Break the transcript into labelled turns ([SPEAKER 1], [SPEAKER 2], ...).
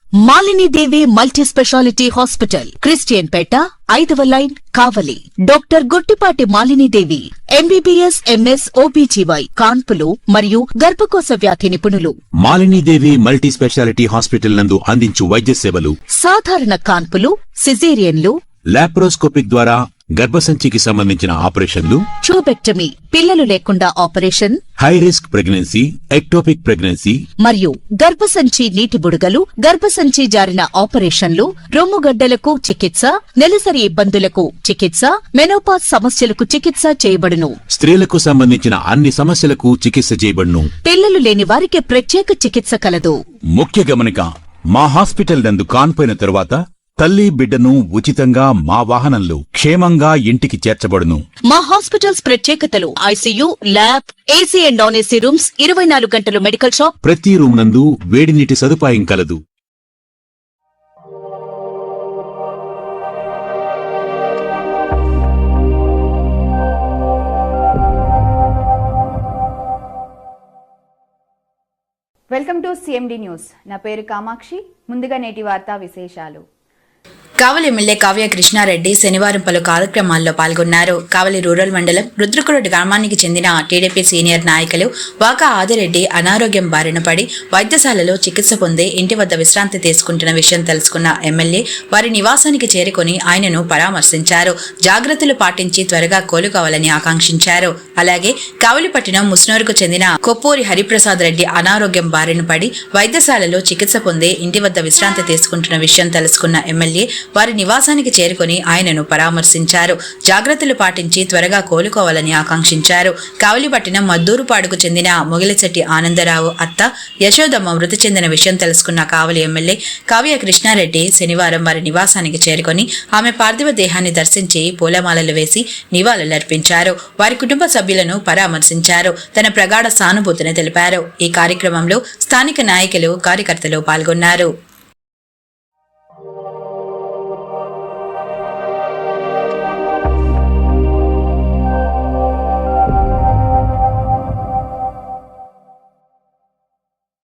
[SPEAKER 1] Malini Devi multi speciality hospital, Christian Peta, 5వ line, Kavali. Doctor Guttipati Malinidevi, MBBS, MS, OBGY, కాన్పులు మరియు గర్భకోశ వ్యాధి నిపుణులు.
[SPEAKER 2] మాలినీదేవి మల్టీ స్పెషాలిటీ హాస్పిటల్ నందు అందించు వైద్య సేవలు:
[SPEAKER 1] సాధారణ కాన్పులు, సిజేరియన్లు,
[SPEAKER 2] లాప్రోస్కోపిక్ ద్వారా గర్భసంచికి సంబంధించిన ఆపరేషన్లు,
[SPEAKER 1] ట్యూబెక్టమీ, పిల్లలు లేకుండా operation,
[SPEAKER 2] high risk pregnancy, ectopic pregnancy
[SPEAKER 1] మరియు గర్భసంచి నీటి బుడగలు, గర్భసంచి జారిన ఆపరేషన్లు, రొమ్ముగడ్డలకు చికిత్స, నెలసరి ఇబ్బందులకు చికిత్స, మెనోపాజ్ సమస్యలకు చికిత్స చేయబడును.
[SPEAKER 2] స్త్రీలకు సంబంధించిన అన్ని సమస్యలకు చికిత్స చేయబడును.
[SPEAKER 1] పిల్లలు లేని వారికి ప్రత్యేక చికిత్స కలదు.
[SPEAKER 2] ముఖ్య గమనిక: మా హాస్పిటల్ నందు కాన్పోయిన తరువాత తల్లి బిడ్డను ఉచితంగా మా వాహనంలో క్షేమంగా ఇంటికి చేర్చబడును.
[SPEAKER 1] మా హాస్పిటల్స్ ప్రత్యేకతలు: ICU, lab, AC and non AC rooms, 24 గంటలు మెడికల్ షాప్,
[SPEAKER 2] ప్రతి రూమ్ నందు వేడి నీటి సదుపాయం కలదు.
[SPEAKER 3] Welcome to CMD news. నా పేరు కామాక్షి. ముందుగా నేటి వార్తా విశేషాలు.
[SPEAKER 4] కావలి ఎమ్మెల్యే కావ్య కృష్ణారెడ్డి శనివారం పలు కార్యక్రమాల్లో పాల్గొన్నారు. కావలి రూరల్ మండలం రుద్రకురటి గ్రామానికి చెందిన టీడీపీ సీనియర్ నాయకులు వాకా ఆదిరెడ్డి అనారోగ్యం బారిన పడి వైద్యశాలలో చికిత్స పొంది ఇంటి వద్ద విశ్రాంతి తీసుకుంటున్న విషయం తెలుసుకున్న ఎమ్మెల్యే వారి నివాసానికి చేరుకుని ఆయనను పరామర్శించారు. జాగ్రత్తలు పాటించి త్వరగా కోలుకోవాలని ఆకాంక్షించారు. అలాగే కావలిపట్నం ముస్నూరుకు చెందిన కొప్పూరి హరిప్రసాద్ రెడ్డి అనారోగ్యం బారిన పడి వైద్యశాలలో చికిత్స పొంది ఇంటి వద్ద విశ్రాంతి తీసుకుంటున్న విషయం తెలుసుకున్న ఎమ్మెల్యే వారి నివాసానికి చేరుకుని ఆయనను పరామర్శించారు. జాగ్రత్తలు పాటించి త్వరగా కోలుకోవాలని ఆకాంక్షించారు. కావలిపట్నం మద్దూరుపాడుకు చెందిన మొగిలిశెట్టి ఆనందరావు అత్త యశోదమ్మ మృతి చెందిన విషయం తెలుసుకున్న కావలి ఎమ్మెల్యే కావ్య కృష్ణారెడ్డి శనివారం వారి నివాసానికి చేరుకుని ఆమె పార్థివ దేహాన్ని దర్శించి పూలమాలలు వేసి నివాళులర్పించారు. వారి కుటుంబ సభ్యులను పరామర్శించారు. తన ప్రగాఢ సానుభూతిని తెలిపారు. ఈ కార్యక్రమంలో స్థానిక నాయకులు, కార్యకర్తలు పాల్గొన్నారు.